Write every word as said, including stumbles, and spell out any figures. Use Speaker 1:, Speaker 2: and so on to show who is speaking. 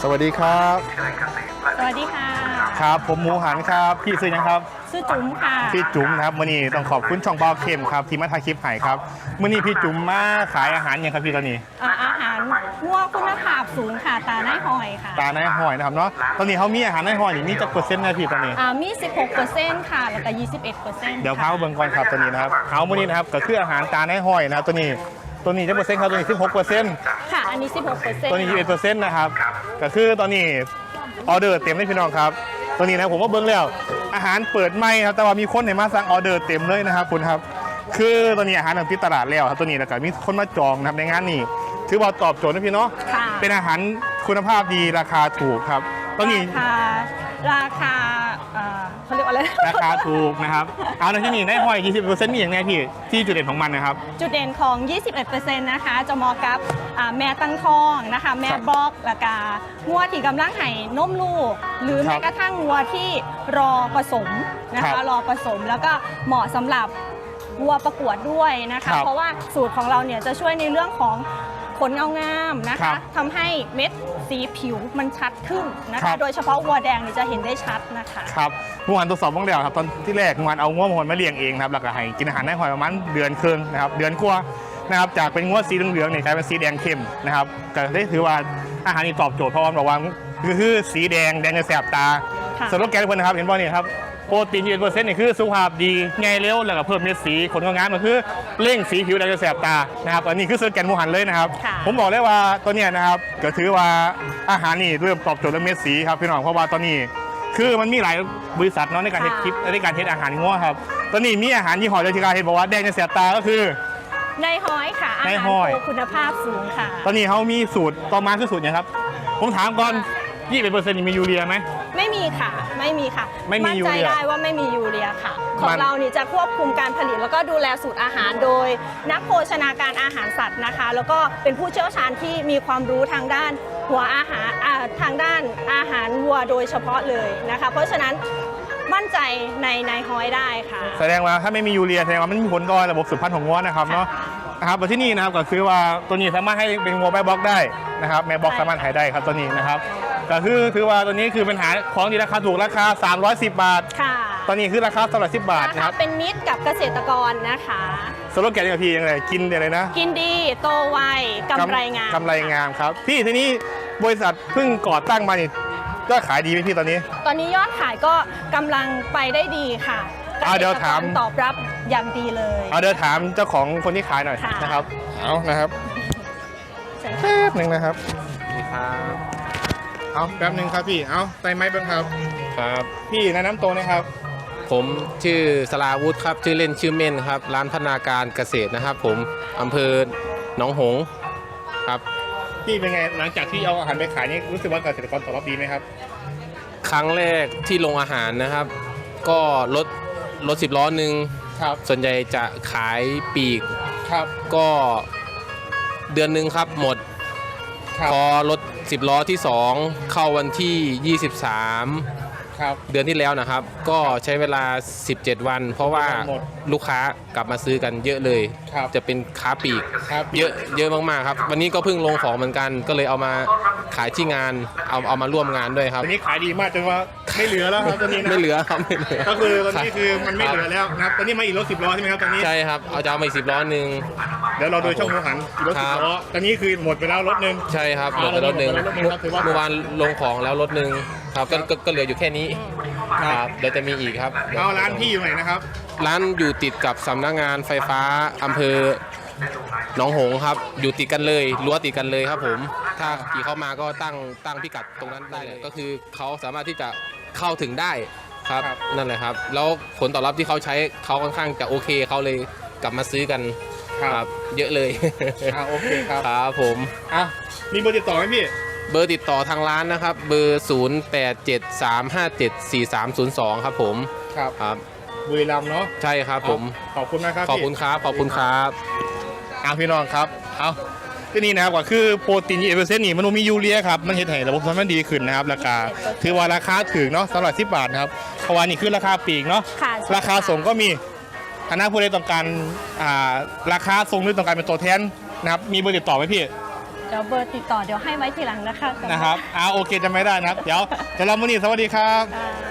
Speaker 1: สวัสดีครับ
Speaker 2: สวัสดีค่ะ
Speaker 1: ครับผมหมูหันครับพี่ซื้อยังครับ
Speaker 2: ชื่อจุ๋มค่ะ
Speaker 1: พี่จุ๋มนะครับมื่อนี้ต้องขอบคุณช่องเบาเข้มครับที่มาถ่ายคลิปให้ครับมื่อนี้พี่จุ๋มมาขายอาหารยังครับพี่ตอนนี้
Speaker 2: อาหารงัวคุณภาพสูงค่ะตาไนหอยค่ะ
Speaker 1: ตาไนหอยนะครับเนาะตอนนี้เขามีอาหารไนหอยนี่มีจักเปอร์เซ็นต์นะพี่ตอนนี้
Speaker 2: อ่ามี สิบหกเปอร์เซ็นต์ ค่ะแล้วก็ ยี่สิบเอ็ดเปอร์เซ็นต์
Speaker 1: เดี๋ยวพาเบิ่งก่อนครับตัวนี้นะครับเอามื่อนี้นะครับก็คืออาหารตาไนหอยนะครับตัวนี้ตัวนี้จะเปอร์เซ็นต์ครับตัวนี้สิบหกเปอร์เซ็นต์
Speaker 2: ค่ะอันนี้ สิบหกเปอร์เซ็นต์
Speaker 1: ตัวนี้ยี่สิบเอ็ดเปอร์เซ็นต์นะครับก็คือตอนนี้ออเดอร์เต็มเลยพี่น้องครับตัวนี้นะผมว่าเบิ้งแล้วอาหารเปิดไม่ครับแต่ว่ามีคนให้มาสั่งออเดอร์เต็มเลยนะครับคุณครับคือตอนนี้อาหารติดตลาดแล้วครับตัวนี้แล้วก็มีคนมาจองนะครับในงานนี้ถือว่าตอบโจทย์นะพี่เนาะเป็นอาหารคุณภาพดีราคาถูกครับตอนนี้
Speaker 2: ราคาเขาเรียกว่าอะไร
Speaker 1: ราคาถูกนะครับเอาในที่นี่ได้หอย ยี่สิบเปอร์เซ็นต์ มีอย่างแน่พี่ที่จุดเด่นของมันนะครับ
Speaker 2: จุดเด่นของ ยี่สิบเอ็ดเปอร์เซ็นต์ นะคะจะเหมาะกับแม่ตั้งท้องนะคะแม่บล็อกแล้วก็งัวที่กำลังไห่นมลูกหรือแม้กระทั่งงัวที่รอผสมนะคะรอผสมแล้วก็เหมาะสำหรับวัวประกวดด้วยนะคะเพราะว่าสูตรของเราเนี่ยจะช่วยในเรื่องของขนเงางามนะคะทำให้เม็ดสีผิวมันชัดขึ้นนะคะโดยเฉพาะวัวแดงนี่จะเห็นได้ชัดนะคะ
Speaker 1: ครับเมื่อวานทดสอบบ้างแล้วครับตอนที่แรกเมื่อวานเอางัวมหอนมาเลี้ยงเองครับแล้วก็ให้กินอาหารได้หอยประมาณเดือนครึ่งนะครับเดือนกว่านะครับจากเป็นงัวสีเหลืองๆเนี่ยกลายเป็นสีแดงเข้มนะครับก็ได้ถือว่าอาหารนี้ตอบโจทย์เพราะว่าบอกว่าคือสีแดงแดงจะแสบตาสโลแกนเพื่อนนะครับเห็นป่ะนี่ครับโปรตีนยี่สิบเปอร์เซ็นต์นี่คือสุขภาพดีไงเร็วแล้วก็เพิ่มเม็ดสีขนงามก็คือเร่งสีผิวแดงจะแสบตานะครับอันนี้คือสโลแกนหมูหันเลยนะครับผมบอกเลยว่าตัวเนี้ยนะครับก็ถือว่าอาหารนี่เริ่มตอบโจทย์เรื่องเม็ดสีครับพี่น้องเพราะว่าตอนนี้คือมันมีหลายบริษัทเนาะในการเทสคลิปในการเทสอาหารงัวครับตอนนี้มีอาหารยี่ห้อเดียวที่การเทสบอกว่าแดงจะแสบตาก็คือ
Speaker 2: ในหอยค่ะอาหารโคคุณภาพสูงค่ะ
Speaker 1: ตอนนี้เขามีสูตรต่อมาคือสูตรเนี่ยครับผมถามก่อนยี่สิบเปอร์เซ็นต์มียูเรียไหม
Speaker 2: ไม่มีค่ะไม่มีค่ะ
Speaker 1: ไม่มียู
Speaker 2: เรียมั่นใจได้ว่าไม่มียูเรียค่ะของเรานี่จะควบคุมการผลิตแล้วก็ดูแลสูตรอาหารโดยนักโภชนาการอาหารสัตว์นะคะแล้วก็เป็นผู้เชี่ยวชาญที่มีความรู้ทางด้านหัวอาหารทางด้านอาหารวัวโดยเฉพาะเลยนะคะเพราะฉะนั้นมั่นใจในในหอยได้ค่ะ
Speaker 1: แสดงว่าถ้าไม่มียูเรียแสดงว่ามันมีผลต่อระบบสืบพันธุ์ของวัวนะครับเนาะนะครับที่นี่นะครับก็คือว่าตัวนี้สามารถให้เป็นงัวแม่บล็อกได้นะครับแม่บล็อกสามารถขายได้ครับตัวนี้นะครับก็คือถือว่าตัวนี้คือเป็นหาของที่ราคาถูกราคาสามร้อยสิบบาทค่ะตอนนี้คือราคาสามร้อยสิบบาทนะครับ
Speaker 2: เป็นมิตรกับเกษตรกรนะคะ
Speaker 1: สโลแกนของพี่ยังไงกินอะไรนะ
Speaker 2: กินดีโตไวกำไรงาม
Speaker 1: กำไรงามครับพี่ทีนี้บริษัทเพิ่งก่อตั้งมานี่ยอดขายดีไหมพี่ตอนนี้
Speaker 2: ตอนนี้ยอดขายก็กำลังไปได้ดีค่ะ
Speaker 1: เอาเดี๋ยวถาม
Speaker 2: ตอบรับอย่างดีเลย
Speaker 1: เอาเดี๋ยวถามเจ้าของคนที่ขายหน่อยนะครับเอานะครับแป๊บหนึ่งนะครับนี่ครับเอาแป๊บหนึ่งครับพี่เอาไต่ไม้เบิ้งครับ
Speaker 3: ครับ
Speaker 1: พี่แนะนำตัวนะครับ
Speaker 3: ผมชื่อสราวุธครับชื่อเล่นชื่อเม่นครับร้านพัฒนาการเกษตรนะครับผมอำเภอหนองหงส์ครับ
Speaker 1: พี่เป็นไงหลังจากที่เอาอาหารไปขายนี่รู้สึกว่าเกษตรกรตอบรับดีไหมครับ
Speaker 3: ครั้งแรกที่ลงอาหารนะครับก็รถรถสิบล้อหนึ่ง
Speaker 1: ครับ
Speaker 3: ส่วนใหญ่จะขายปีก
Speaker 1: ครับ
Speaker 3: ก็เดือนหนึ่งครับหมดพอรถสิบล้อที่สองเข้าวันที่ยี่สิบสามเดือนที่แล้วนะครับก็ใช้เวลาสิบเจ็ดวันเพราะว่าลูกค้ากลับมาซื้อกันเยอะเลยจะเป็นค้าปีกเยอะเยอะมากๆครับวันนี้ก็เพิ่งลงของเหมือนกันก็เลยเอามาขายที่งานเอาเอามาร่วมงานด้วยครับ
Speaker 1: วันนี้ขายดีมากจนว่าไม่เหลือแล้วครับตอนนี้
Speaker 3: ไม่เหลือครับไม่เหลือ
Speaker 1: ก็คือตอนนี้คือมันไม่เหลือแล้วนะครับตอนนี้มาอีกรถสิบล้อใช่ไหมครับตอนนี้
Speaker 3: ใช่ครับเอาจะเอามาอีกสิบล้อหนึ่ง
Speaker 1: เดี๋ยวเราโดยช่องหมูหันอีกรถสิบล้อตอนนี้คือหมดไปแล้วรถหนึ่ง
Speaker 3: ใช่ครับหมดไปรถหนึ่งเมื่อวานลงของแล้วรถหนึ่งครับก็ก็เหลืออยู่แค่นี้ครับเดี๋ยวจะมีอีกครับ
Speaker 1: เอาร้านพี่อยู่ไหนนะครับ
Speaker 3: ร้านอยู่ติดกับสำนักงานไฟฟ้าอำเภอหนองหงส์ครับอยู่ติดกันเลยรั้วติดกันเลยครับผมถ้าขี่เข้ามาก็ตั้งตั้งพิกัดตรงนั้นได้เลยก็คือเขาสามารถที่จะเข้าถึงได้ครับนั่นแหละครับแล้วผลตอบรับที่เขาใช้เขาค่อนข้างจะโอเคเขาเลยกลับมาซื้อกันครับเยอะเลย
Speaker 1: โอเคครับ
Speaker 3: ครับผม
Speaker 1: อ่ะมีเบอร์ติดต่อไหมพี่
Speaker 3: เบอร์ติดต่อทางร้านนะครับเบอร์ศูนย์ แปด เจ็ด สาม ห้า เจ็ด สี่ สาม ศูนย์ สองครับผม
Speaker 1: ครับ
Speaker 3: ครับ
Speaker 1: บุรีรัมย์เนาะ
Speaker 3: ใช่ครับผม
Speaker 1: ขอบคุณนะครับ
Speaker 3: ขอบคุณครับขอบคุณครับ
Speaker 1: เอาพี่น้องครับเอาที่นี่นะครับก็คือโปรตีนยี่สิบเปอร์เซ็นต์นี่มันมียูเรียครับมันเห็นให้ระบบสัมพันธ์ดีขึ้นนะครับราคาถือว่าราคาถึงเนาะสำหรับสิบบาทนะครับเพราะว่านี่คือราคาปีกเนาะราคาส่งก็มีคณะผู้ใดต้องการราคาส่งหรือต้องการเป็นตัวแทนนะครับมีเบอร์ติดต่อไหมพี่
Speaker 2: เดี๋ยวเบอร์ติดต่อเดี๋ยวให้ไว้ทีหลังนะคะ
Speaker 1: นะครับอ่าโอเคจะไม่ได้นะครับ เดี๋ยวจะเรามือนี้สวัสดีครับ
Speaker 2: อ่า